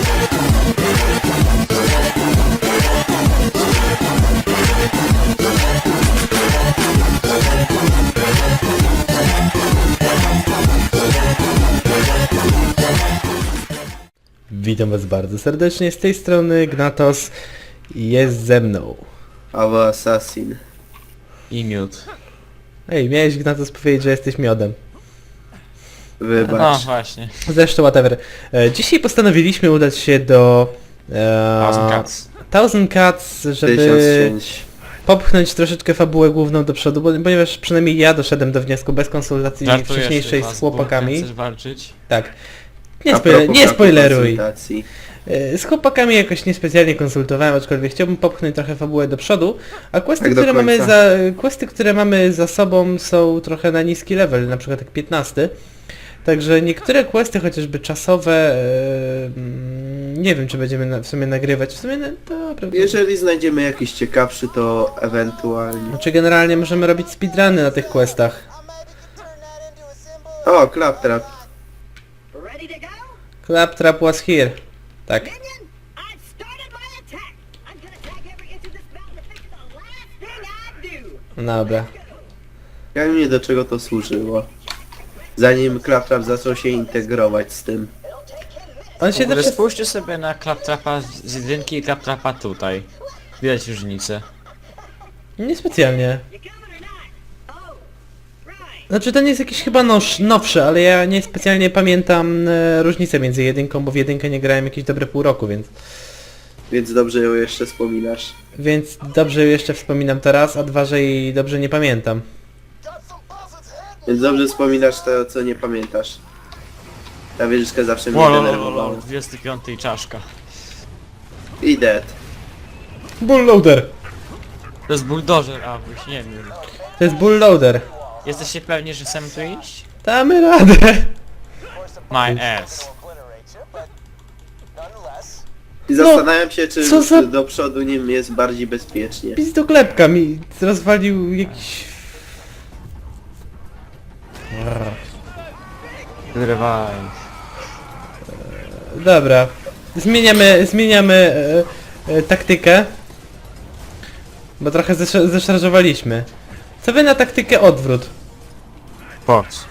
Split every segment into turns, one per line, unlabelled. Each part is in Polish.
Witam was bardzo serdecznie, z tej strony Gnatos i jest ze mną.
Albo Assassin.
I miód.
Ej, miałeś Gnatos powiedzieć, że jesteś miodem.
No
Wybacz.
właśnie.
Zresztą whatever. Dzisiaj postanowiliśmy udać się do...
Thousand Cuts.
Thousand Cuts, żeby
1005.
popchnąć troszeczkę fabułę główną do przodu, ponieważ przynajmniej ja doszedłem do wniosku bez konsultacji wcześniejszej z chłopakami.
Chcesz walczyć?
Tak.
A propos
Nie spoileruj.
konsultacji.
Z chłopakami jakoś niespecjalnie konsultowałem, aczkolwiek chciałbym popchnąć trochę fabułę do przodu, a questy,
Tak do końca.
questy, które mamy za sobą są trochę na niski level, na przykład jak 15. Także niektóre questy, chociażby czasowe, nie wiem czy będziemy w sumie nagrywać, w sumie dobra.
Jeżeli znajdziemy jakiś ciekawszy, to ewentualnie.
Znaczy generalnie możemy robić speedruny na tych questach.
O, Claptrap.
Ready to go?
Claptrap was here. Tak.
Minion, I've started my attack. I'm gonna tag every inch of this mountain to fix the last thing I do.
Dobra.
Ja wiem nie do czego to służyło. Zanim Claptrap zaczął się integrować z tym.
On
W
się
ogóle
też...
spójrzcie sobie na Claptrapa z jedynki i Claptrapa tutaj. Widać różnicę.
Niespecjalnie.
You coming or not? Oh, right.
Znaczy ten jest jakiś chyba nowszy, ale ja niespecjalnie pamiętam różnicę między jedynką, bo w jedynkę nie grałem jakieś dobre pół roku,
Więc dobrze ją jeszcze wspominasz.
więc dobrze jeszcze wspominam teraz, a dwa, że jej dobrze nie pamiętam.
Więc dobrze wspominasz to, co nie pamiętasz. Ta wieżyczka zawsze mnie denerwowała.
25 czaszka.
I dead.
Bullloader!
To jest bulldozer, a byś nie wiem.
To jest bullloader.
Jesteście pewni, że chcemy tu iść?
Damy radę!
My ass.
I zastanawiam się, czy,
co za-
czy do przodu nim jest bardziej bezpiecznie.
Pizdoklepka mi rozwalił jakiś...
Wyrywaj.
Dobra. Zmieniamy taktykę. Bo trochę zeszarżowaliśmy. Co wy na taktykę odwrót?
Fox.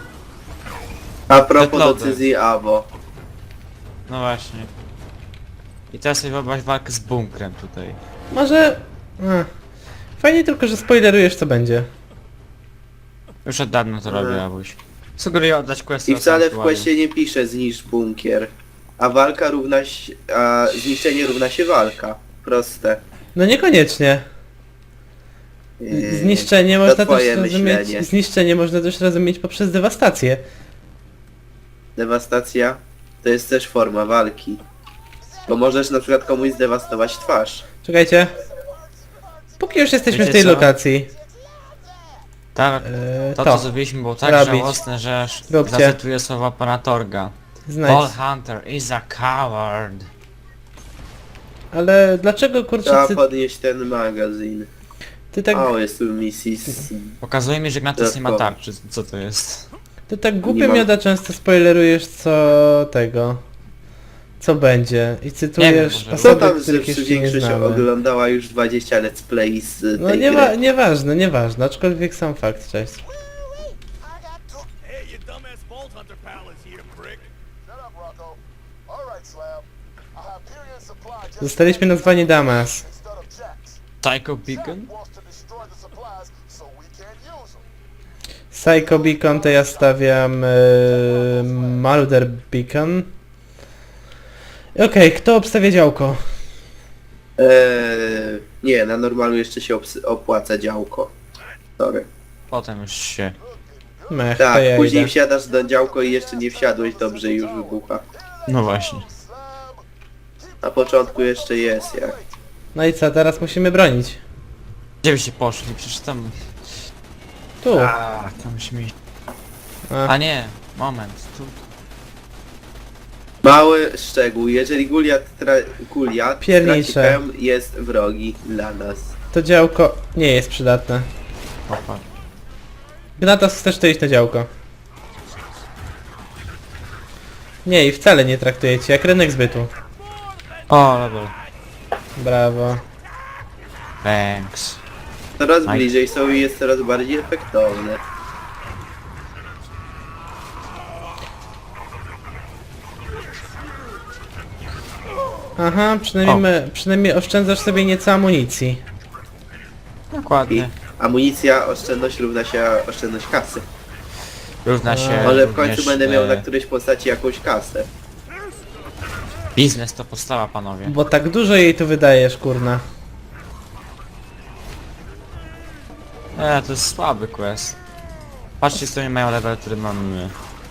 A propos
Deadloader.
decyzji AWO.
No właśnie. I teraz sobie wyobraź walkę z bunkrem tutaj.
Może... Fajnie tylko, że spoilerujesz co będzie.
Już od dawna to robię, Abuś. Sugeruję oddać quest.
I wcale w questie nie pisze zniszcz bunkier. A walka równa się... a zniszczenie równa się walka. Proste.
No niekoniecznie. Zniszczenie
to
można też
twoje
rozumieć...
myślenie.
Zniszczenie można też rozumieć poprzez dewastację.
Dewastacja to jest też forma walki. Bo możesz na przykład komuś zdewastować twarz.
Czekajcie. Póki już jesteśmy
Wiecie
w tej
co?
lokacji.
Tak,
To.
to co zrobiliśmy było tak
Robić.
żałosne, że aż
Róbcie.
zacytuję słowa pana Torga.
Znajdź.
Paul Hunter is a coward.
Ale dlaczego kurczę
Trzeba podnieść ten magazyn.
ty tak...
O, jest tu Mrs.
Pokazuje mi, że Gnatus nie ma
Dodatkowo.
tarczy. Co to jest?
Ty tak głupio
Nie mam-
mioda często spoilerujesz co będzie i
Nie
cytujesz
wiem, może-
Co
osoby,
tam, że
których jeszcze nie
większość
znamy.
oglądała już 20 let's play z
No
tej
nie
gry.
nieważne, aczkolwiek sam fakt, cześć.
Hey, you dumbass Vault Hunter pal is here, prick.
Shut up, Rocco. All right, Slab. I have period supply just
Zostaliśmy nazwani Damas.
instead of Jax.
Psycho Beacon?
Wants to destroy the supplies so we can't use them.
Psycho Beacon to ja stawiam Mulder Beacon. Okej, kto obstawia działko?
Nie, na normalu jeszcze się opłaca działko. Sorry.
Potem już się.
Mech, to
Tak,
ja
później
idę.
wsiadasz do działko i jeszcze nie wsiadłeś dobrze i już wybucha.
No właśnie.
Na początku jeszcze jest jak.
No i co, teraz musimy bronić.
Gdzie byście poszli? Przecież tam...
Tu.
tam musimy iść.
A.
A nie, moment. Tu.
Mały szczegół, jeżeli Goliat traci
Piernicze.
pełm, jest wrogi dla nas.
To działko nie jest przydatne.
Opa.
Gnatas, chcesz to iść na działko? Nie, i wcale nie traktujecie jak rynek zbytu.
O, level.
Brawo.
Thanks.
Coraz
Aj.
bliżej są i jest coraz bardziej efektowne.
Aha, przynajmniej oszczędzasz sobie nieco amunicji.
I
Dokładnie.
amunicja, oszczędność równa się oszczędność kasy.
Równa się
Może w końcu
również,
będę miał na którejś postaci jakąś kasę.
Biznes to podstawa, panowie.
Bo tak dużo jej tu wydajesz, kurna.
To jest słaby quest. Patrzcie, co oni mają level, który mamy my.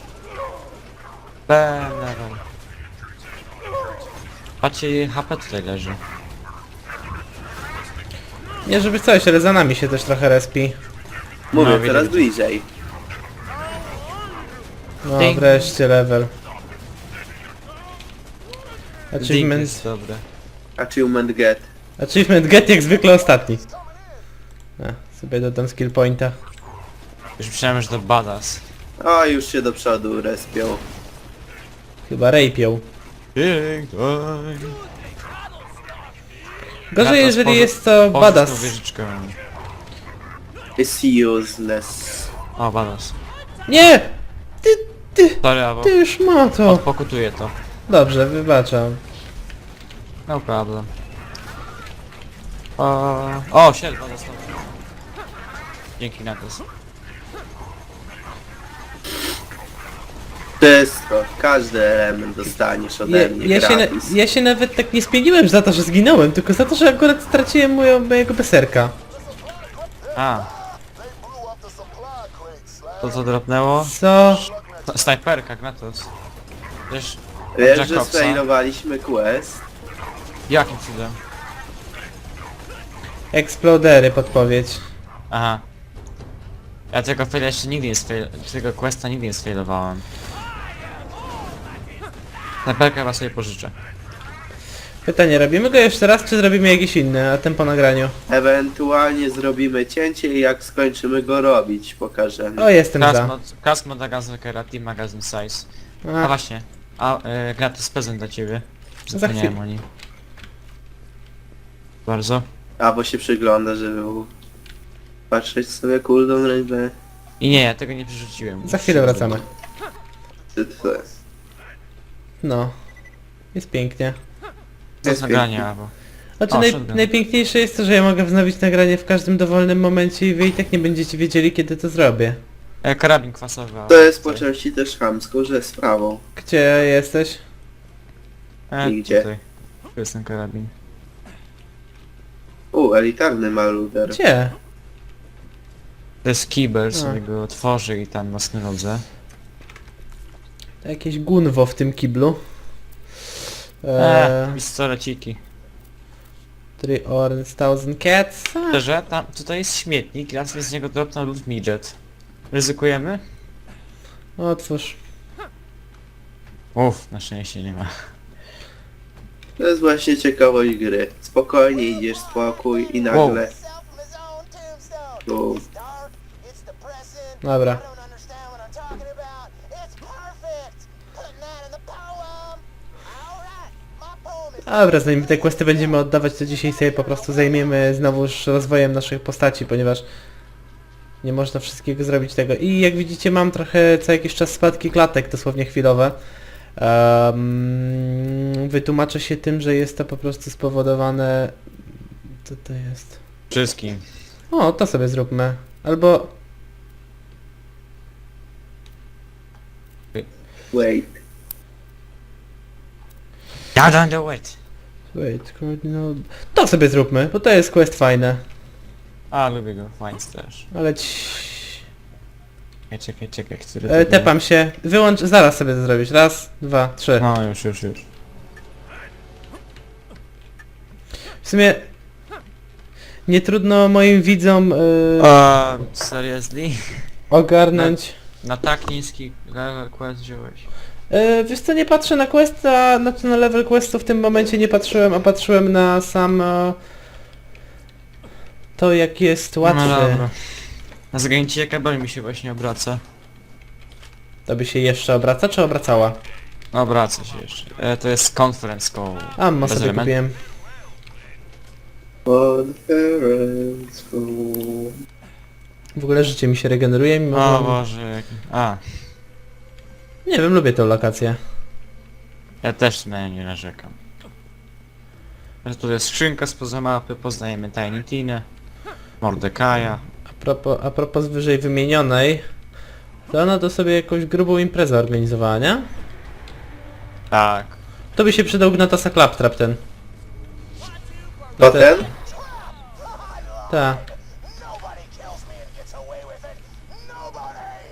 Level. Patrzcie, HP tutaj leży.
Nie żeby coś, ale za nami się też trochę respi.
Mówię,
No,
coraz
widzę.
bliżej.
No
Ding.
wreszcie level.
Ding
Achievement,
jest dobre.
Achievement get.
achievement get jak zwykle ostatni. Sobie dodam skill pointa.
Już myślałem, że to badass.
O, już się do przodu respią.
Chyba rapią.
Big time.
Gorzej jeżeli
Pożycz
jest to
tą
badass.
wieżyczkę.
It's useless.
O, badass.
Nie!
Sorry, Avo.
Ty już ma to.
Odpokutuję to.
Dobrze, wybaczam.
No problem. O, siedla dostał. Dzięki na to.
Wszystko, każdy element dostaniesz ode mnie gratis.
Ja się nawet tak nie spieniłem za to, że zginąłem, tylko za to, że akurat straciłem mojego beserka.
A,
They blew up the supply crate, Slab.
to co dropnęło?
Co?
Snajperka, Gnatos. Wiesz,
Wiesz, że
Jacobsa?
sfailowaliśmy quest?
Jakim cudem?
Explodery, podpowiedź.
Aha. Ja tego faila jeszcze nigdy nie tego questa nigdy nie sfailowałem. Snajperkę chyba sobie pożyczę.
Pytanie, robimy go jeszcze raz, czy zrobimy jakiś inny, a ten po nagraniu?
Ewentualnie zrobimy cięcie i jak skończymy go robić, pokażemy.
O, jestem za.
Kask mod Magazykera, Team Magazine Size. A
A,
właśnie. Gratis prezent dla ciebie.
Za
Zapomniałem
chwilę.
o nim. Bardzo.
A bo się przygląda, żeby patrzeć sobie cooldown rękę.
I nie, ja tego nie przerzuciłem.
za chwilę wracamy.
To
No. Jest pięknie.
To jest nagranie, albo.
Znaczy
O, shotgun.
najpiękniejsze jest to, że ja mogę wznowić nagranie w każdym dowolnym momencie i wy i tak nie będziecie wiedzieli, kiedy to zrobię.
Karabin kwasowy.
To jest po części też chamską, że sprawą.
Gdzie jesteś?
Nigdzie.
Tutaj. Tu jest ten karabin.
Elitarny maluder.
Gdzie?
To jest kibel,
A.
sobie go otworzy i tam na snylodze.
To jakieś gunwo w tym kiblu.
Pistoleciki.
3 Orange 1000 Cats.
Szczerze, tam, tutaj jest śmietnik, ja sobie z niego dropnął lub midget. Ryzykujemy?
Otwórz.
Uff, na szczęście nie ma.
To jest właśnie ciekawość gry. Spokojnie idziesz, spokój i nagle...
Himself from his own tombstone.
Boom.
It's dark, it's depressing.
Dobra.
I don't understand what I'm talking about. It's perfect. Putting that in the poem. Alright, my poem is...
Dobra, zanim te questy będziemy oddawać, to dzisiaj sobie po prostu zajmiemy znowuż rozwojem naszych postaci, ponieważ nie można wszystkiego zrobić tego. I jak widzicie, mam trochę co jakiś czas spadki klatek, dosłownie chwilowe. Wytłumaczę się tym, że jest to po prostu spowodowane... Co to jest?
Wszystkim.
O, to sobie zróbmy. Albo...
Wait.
Ja don't do it.
Wait, no... To sobie zróbmy, bo to jest quest fajne.
A, lubię go, fajnie też.
Ale
Czekaj, który to był?
tepam się. Wyłącz, zaraz sobie to zrobić. Raz, dwa, trzy.
No, już.
W sumie... Nie trudno moim widzom
Seriously?
ogarnąć...
Na tak niski level quest wziąłeś.
Wiesz co, nie patrzę na quest, znaczy na level questu w tym momencie nie patrzyłem, a patrzyłem na sam... to jak jest łatwy.
No dobra. Na zagranicie kabel mi się właśnie obraca.
To by się jeszcze obraca, czy obracała?
No wraca się jeszcze. To jest conference call.
Ammo
Bez
sobie
elementu.
kupiłem.
Conference call.
W ogóle życie mi się regeneruje, mimo
O
że...
Boże, jaki... A,
Nie wiem, lubię tę lokację.
ja też na nią nie narzekam. Tu jest skrzynka spoza mapy, poznajemy Tiny Tinę, Mordekaja.
A propos wyżej wymienionej, to ona to sobie jakąś grubą imprezę organizowała, nie?
Tak.
To by się przydał Gnatasa Claptrap ten.
To ten?
Ta.
Nobody kills me and gets away with it. Nobody!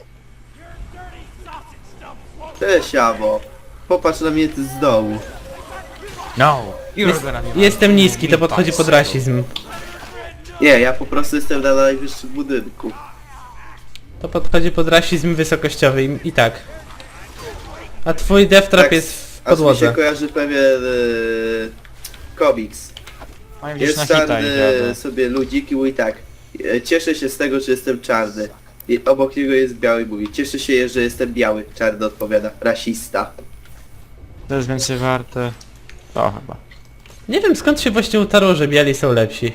Cześć, Abo. Popatrz na mnie z dołu.
No!
Jestem niski, to podchodzi pod rasizm.
Nie, ja po prostu jestem na najwyższym budynku.
To podchodzi pod rasizm wysokościowy i tak. A twój death trap
Tak,
jest w
aż mi się
podłodze.
kojarzy pewien komiks.
Mam gdzieś
Jest
na hita
czarny
idziemy.
sobie ludzik i mówi tak. Cieszę się z tego, że jestem czarny. I obok niego jest biały i mówi. Cieszę się, że jestem biały. Czarny odpowiada. Rasista.
To jest więcej warte. To chyba.
Nie wiem skąd się właśnie utarło, że biali są lepsi.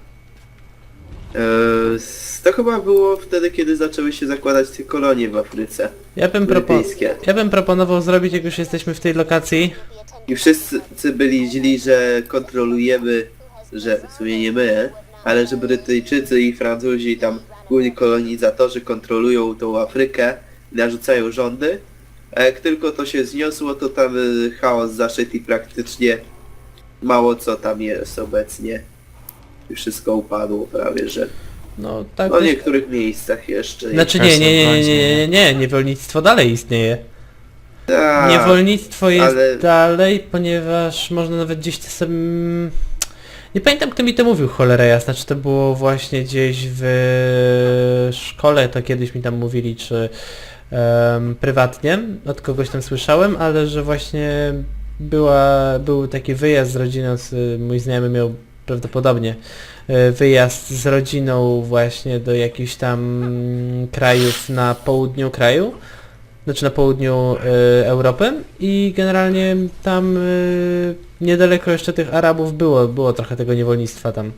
To chyba było wtedy, kiedy zaczęły się zakładać te kolonie w Afryce. Brytyjskie.
Ja bym proponował zrobić, jak już jesteśmy w tej lokacji.
I wszyscy byli źli, że kontrolujemy, że w sumie nie my, ale że Brytyjczycy i Francuzi, tam główni kolonizatorzy kontrolują tą Afrykę i narzucają rządy. A jak tylko to się zniosło, to tam chaos zaszedł i praktycznie mało co tam jest obecnie. I wszystko upadło prawie, że...
No tak.
No w
dość-
niektórych miejscach jeszcze.
Znaczy nie, niewolnictwo dalej istnieje.
Tak,
Niewolnictwo jest
ale-
dalej, ponieważ można nawet gdzieś to sobie... Nie pamiętam kto mi to mówił, cholera jasna, czy to było właśnie gdzieś w szkole, to kiedyś mi tam mówili, czy prywatnie, od kogoś tam słyszałem, ale że właśnie był taki wyjazd z rodziną, mój znajomy miał prawdopodobnie wyjazd z rodziną właśnie do jakichś tam krajów na południu kraju, znaczy na południu Europy i generalnie tam niedaleko jeszcze tych Arabów było trochę tego niewolnictwa tam.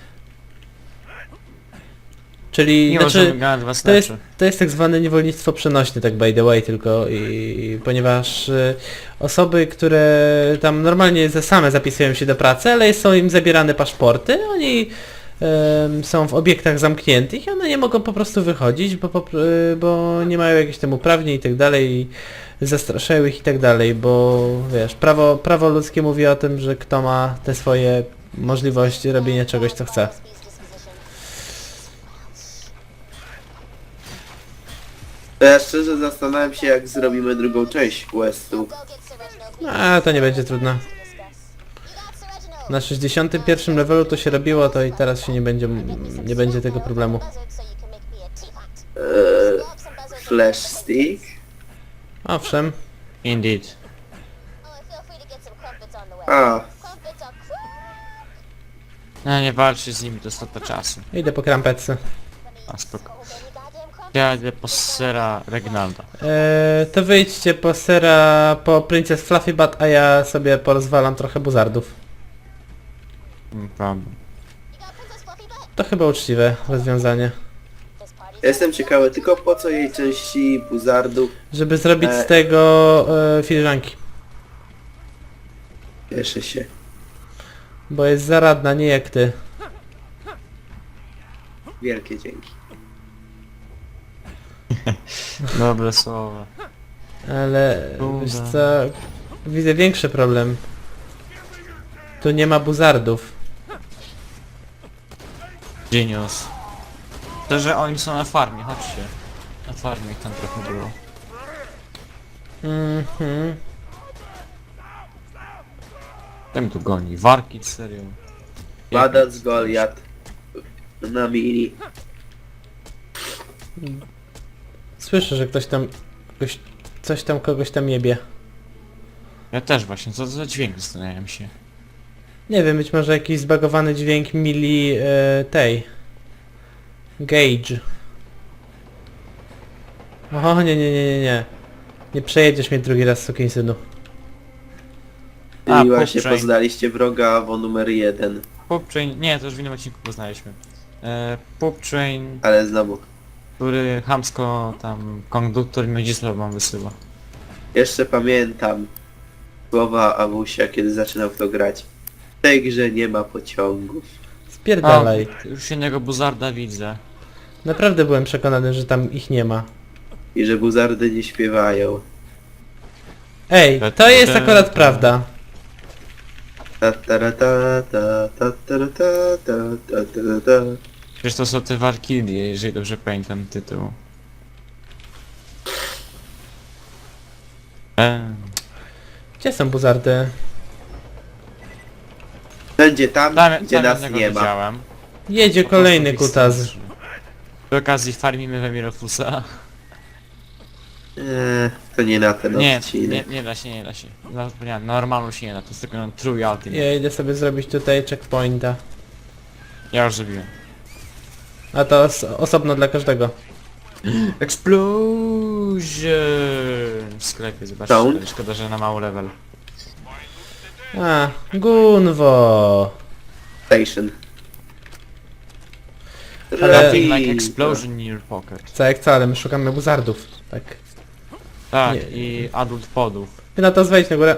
Czyli
Nie
znaczy,
możemy gadać was
to jest tak zwane niewolnictwo przenośne, tak by the way tylko i ponieważ osoby, które tam normalnie same zapisują się do pracy, ale są im zabierane paszporty, oni są w obiektach zamkniętych i one nie mogą po prostu wychodzić, bo nie mają jakichś tam uprawnień i tak dalej, i zastraszają ich i tak dalej, bo wiesz, prawo ludzkie mówi o tym, że kto ma te swoje możliwości robienia czegoś co chce.
To ja szczerze zastanawiam się, jak zrobimy drugą część questu.
A to nie będzie trudno. Na 61 levelu to się robiło, to i teraz się nie będzie tego problemu.
Flash stick?
Owszem.
Indeed.
A,
No nie walczy z nimi, to strata czasu.
Idę po krampetce.
A spoko. Ja idę po sera Regnalda.
To wyjdźcie po sera, po Princess Fluffy Butt, a ja sobie porozwalam trochę buzardów.
Problem.
To chyba uczciwe rozwiązanie.
ja jestem ciekawy tylko po co jej części buzardów.
Żeby zrobić z tego filiżanki.
Cieszę się.
Bo jest zaradna, nie jak ty.
Wielkie dzięki.
Dobre słowa.
Ale
Dobra.
wiesz co, widzę większy problem. Tu nie ma buzardów.
Genius. To, że oni są na farmie, chodźcie. Na farmie ich tam trochę było.
Mhm.
Ten tu goni. Warki, serio.
Badac Goliat na mini.
Słyszę, że coś tam kogoś tam jebie.
Ja też właśnie, co to za dźwięk zastanawiam się.
Nie wiem, być może jakiś zbagowany dźwięk mili tej. Gauge. O nie. Nie przejedziesz mnie drugi raz, sukinsynu.
A,
I właśnie
Poptrain.
poznaliście wroga AWO numer 1,
Poptrain, nie, to już w innym odcinku poznaliśmy. Poptrain,
ale znowu.
który chamsko tam konduktor Miedzisław wam wysyła.
Jeszcze pamiętam słowa Awusia, kiedy zaczynał w to grać. W tej grze nie ma pociągów.
Spierdalaj.
Już jednego buzarda widzę.
Naprawdę byłem przekonany, że tam ich nie ma.
I że buzardy nie śpiewają.
Ej, to jest akurat prawda.
Ta ta ra ta ta ta ta ra ta ta ta ta ta ta.
Przecież to są te Valkyrie, jeżeli dobrze pamiętam tytuł.
Gdzie są buzardy?
Wszędzie tam, gdzie nas
jednego
nie ma.
widziałem.
Jedzie
Po prostu
kolejny
ich
kutas.
straszy. Przy okazji farmimy Wemirofusa.
To nie na ten
Nie,
odcinek.
nie da się, nie da się. Zapomniałem, normalu się nie da, to jest tylko true ultimate.
Ja idę sobie zrobić tutaj checkpointa.
Ja już zrobiłem.
A to osobno dla każdego.
Explosion! W sklepie, zobaczcie,
Sound?
ale szkoda, że na mały level.
A, Gunwo.
Station.
Ale-
Nothing like
Rapid.
explosion in your pocket.
Co jak co, ale my szukamy buzardów. Tak.
Tak,
Nie.
i adult podów.
Ty na to wejdź na górę.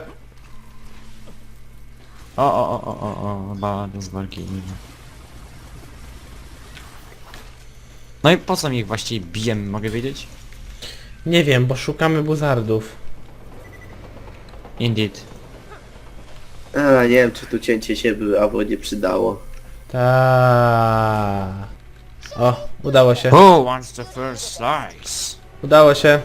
O, bardzo z Valkyrie. No i po co mi ich właściwie bijemy, mogę wiedzieć?
Nie wiem, bo szukamy buzardów.
Indeed.
A, nie wiem, czy tu cięcie się by AWO nie przydało.
Ta. O, udało się.
Who wants the first slice?
Udało się.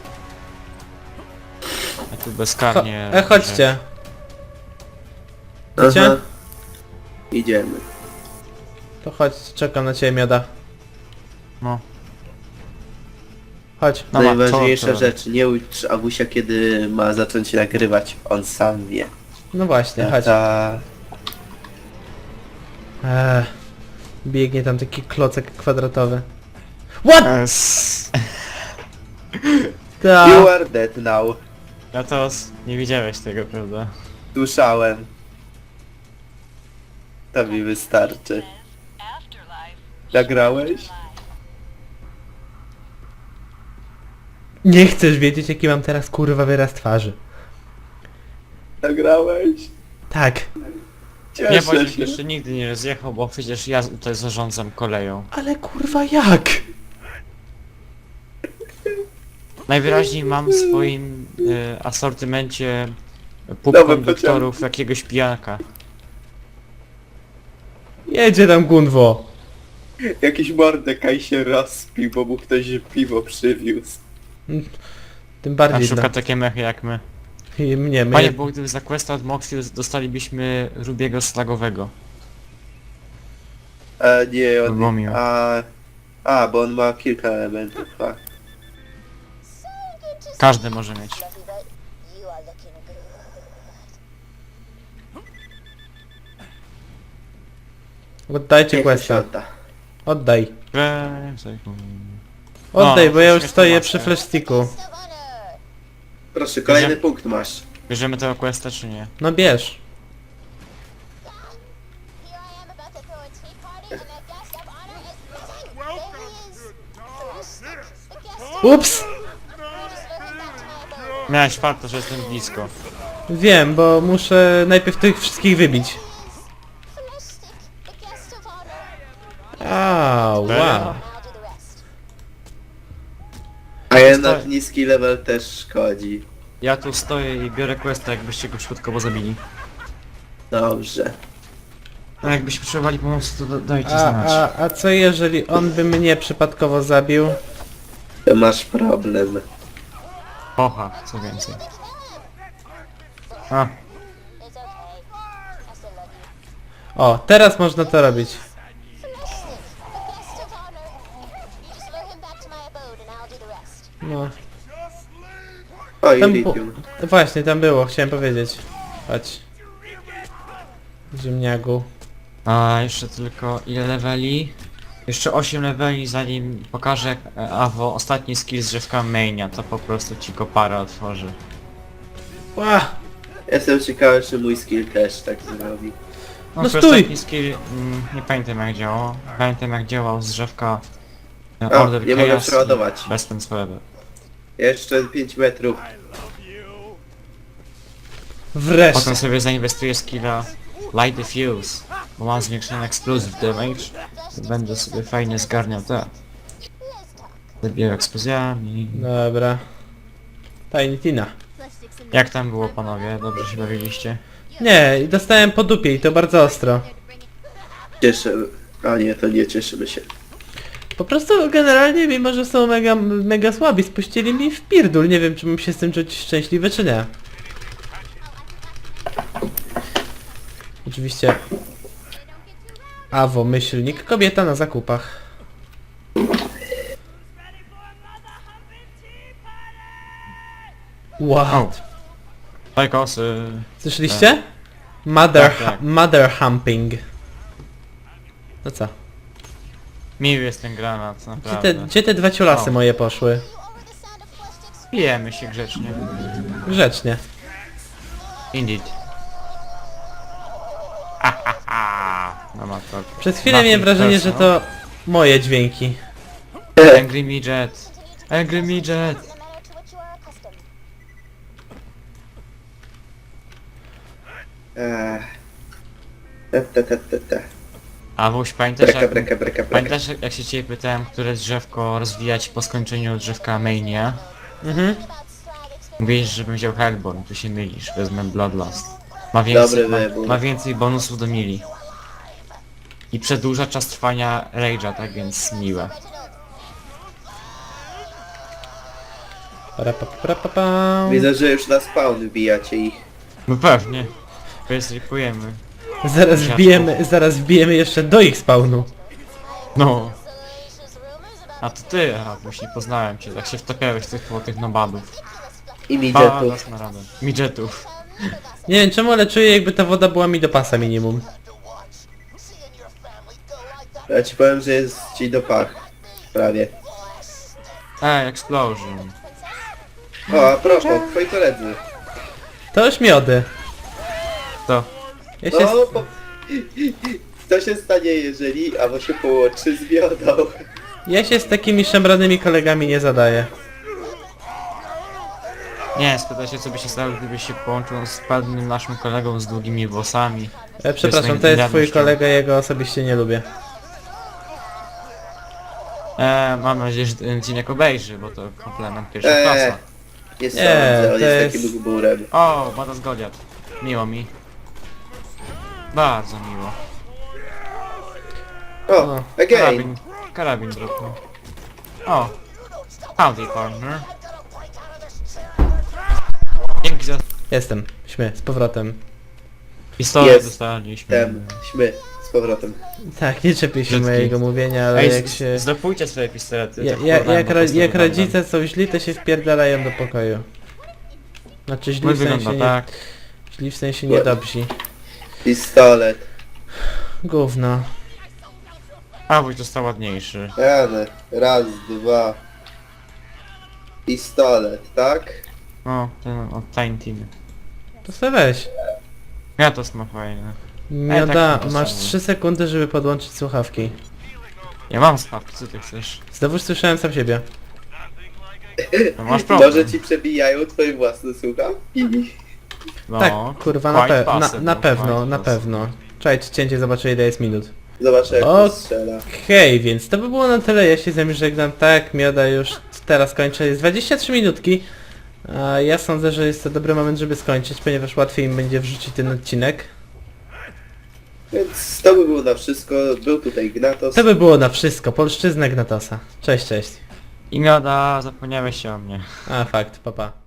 A tu bezkarnie...
Chodźcie. Wiecie?
Aha. Idziemy.
To chodź, czekam na ciebie, mioda.
No.
Chodź.
No
Najważniejsza
to-
rzecz, nie ucz Awusia, kiedy ma zacząć nagrywać. On sam wie.
No właśnie, chodź.
Ta...
Biegnie tam taki klocek kwadratowy. What?
Yes.
Ta.
You are dead now.
No to nie widziałeś tego, prawda?
Słyszałem. To mi wystarczy. Nagrałeś?
Nie chcesz wiedzieć, jaki mam teraz kurwa wyraz twarzy.
Nagrałeś?
Tak.
Nie,
Cieszę
Wojciech
się.
jeszcze nigdy nie rozjechał, bo przecież ja tutaj zarządzam koleją.
Ale kurwa jak?
Najwyraźniej mam w swoim asortymencie
Nowe
półkonduktorów jakiegoś pijanka.
Jedzie tam Gunwo.
Jakiś mordekaj się rozpił, bo mu ktoś piwo przywiózł.
Tym
A
bardziej
szuka
dla...
takie mechy jak my.
I mnie,
Panie,
mnie...
bo gdyby za questa od Moxie dostalibyśmy Rubiego slagowego.
Nie,
To było
on...
miłe.
Bo on ma kilka elementów, tak.
Każdy może mieć.
Fluffy butt, you are looking good.
Oddajcie
Niech to się
questa.
odda.
Oddaj.
No,
Oddaj, bo ja już
śmieszna
stoję
maska.
przy flashsticku.
Still honor.
Proszę, kolejny punkt masz.
Bierzemy tego questa czy nie?
No bierz.
Here I am about to throw a tea party and that guest of honor is missing. There he is. The guest of
Ups!
honor. You just lure him back to my abode.
Miałeś farto, że jestem blisko.
Wiem, bo muszę najpierw tych wszystkich wybić.
Fleshstick, the guest of honor.
Wow.
I'll do the rest.
A jednak niski level też szkodzi.
Ja tu stoję i biorę questa, jakbyście go przypadkowo zabili.
Dobrze.
A jakbyście potrzebowali pomocy, to dajcie
A,
znać.
a co jeżeli on by mnie przypadkowo zabił?
To masz problem.
Oha, co więcej. A,
It's okay. I still love you.
O, teraz można to robić.
Fleshstick, the guest of honor. You just lure him back to my abode and I'll do the rest.
No.
O,
Tam
Iridium.
Właśnie, tam było, chciałem powiedzieć. Chodź. Ziemniaku.
a jeszcze tylko ile leveli? Jeszcze 8 leveli zanim pokażę jak Awo ostatni skill z drzewka mainia, to po prostu ci go parę otworzy.
Ła!
Jestem ciekawy, czy mój skill też tak zrobi.
No,
No
to
stój!
jest taki skill, nie pamiętam jak działał. Pamiętam jak działał z drzewka
O,
Order
nie mogę
Chaos
przeładować.
i Best Friends Forever.
Jeszcze 5 metrów.
Wreszcie.
Potem sobie zainwestuję skilla Light Diffuse, bo mam zwiększony explosive damage. To będę sobie fajnie zgarniał te. Zabijał eksplozjami.
Dobra. Tiny Tina.
Jak tam było panowie? Dobrze się bawiliście?
Nie, dostałem po dupie i to bardzo ostro.
Cieszę... A nie, to nie cieszymy się.
Po prostu generalnie, mimo że są mega słabi, spuścili mi w pierdul. Nie wiem, czy mam się z tym czuć szczęśliwy, czy nie. Oczywiście... Awo, myślnik, kobieta na zakupach. Wow.
O! Fajkosy!
Słyszeliście? Mother,
Tak, tak.
mother humping. No co?
Miły jest ten granat,
Gdzie
naprawdę.
gdzie te dwa ciulasy
O.
moje poszły?
Pijemy się grzecznie.
Grzecznie.
Indeed. No ma to.
Przez chwilę miałem wrażenie, że to moje dźwięki.
Angry Midget. Angry Midget.
The manner to which you are accustomed.
Ta.
A Wuś, pamiętasz
Breka.
pamiętasz jak się ciebie pytałem, które drzewko rozwijać po skończeniu drzewka Mania?
Mhm.
Mówisz, żebym wziął Hellborn, tu się mylisz, wezmę Bloodlust. Ma więcej,
Dobry wybór.
ma więcej bonusów do mili. I przedłuża czas trwania Rage'a, tak więc miłe.
Parapapapapam.
Widzę, że już na spawn wbijacie ich.
No pewnie. Wystripujemy.
Zaraz wbijemy jeszcze do ich spawnu.
No. A to ty, aha, już nie poznałem cię, tak się wtapiałeś tych nobadów.
I midgetów.
Dasz na radę. Midgetów.
Nie wiem czemu, ale czuję jakby ta woda była mi do pasa minimum.
Ja ci powiem, że jest ci do pach. Prawie.
Explosion.
O, a propos, twoi koledzy.
To już miody.
To.
Ja się...
No, co się stanie, jeżeli Awo się połączy z miodą?
Ja się z takimi szemranymi kolegami nie zadaję.
Nie, spytaj się co by się stało, gdybyś się połączył z pewnym naszym kolegą z długimi włosami.
Przepraszam, to jest twój kolega, jego osobiście nie lubię.
Mam nadzieję, że ten odcinek obejrzy, bo to komplement pierwsza klasa.
Nie sądzę, on
to
jest
jest-
takim gburem.
O, Badas Goliat. Miło mi. Bardzo miło.
O, again.
Karabin dropnął. O. Howdy partner. Dzięki za
Jestem. Z powrotem.
pistolet
Jest.
dostaliśmy.
Śmy, z powrotem.
Tak, nie czepię się
Brzydki.
mojego mówienia, ale
Ej,
jak się...
zdopójcie swoje pistolety.
Ja,
tak
ja,
porwałem,
jak,
po
ro,
prostu
jak
wyglądam.
rodzice są źli, to się wpierdalają do pokoju. Znaczy źli
Mój
w sensie
wygląda
nie...
tak.
Źli w sensie niedobrzy.
Pistolet.
Gówno.
A, Wuś został ładniejszy.
Rany. Raz, dwa. Pistolet, tak?
No, ten od Tiny Team.
To sobie weź.
Ja to ma fajne.
Mioda,
tak,
masz
to
3 sekundy, żeby podłączyć słuchawki.
Ja mam słuchawki, co ty chcesz?
Znowuż słyszałem sam siebie.
No masz problem.
Może ci przebijają twoje własne słuchawki?
No,
Tak, kurwa,
quite
na
possible,
pewno,
quite
na
possible.
pewno. Czekajcie, cięcie, zobaczę ile jest minut.
Zobaczę jak
O,
to strzela.
Okej, więc to by było na tyle, ja się z wami żegnam, tak, Mioda już teraz kończę, jest 23 minutki. A ja sądzę, że jest to dobry moment, żeby skończyć, ponieważ łatwiej im będzie wrzucić ten odcinek.
Więc to by było na wszystko. Był tutaj Gnatos.
To by było na wszystko, polszczyzna Gnatosa. Cześć, cześć.
I Mioda, zapomniałeś się o mnie.
A, fakt, papa.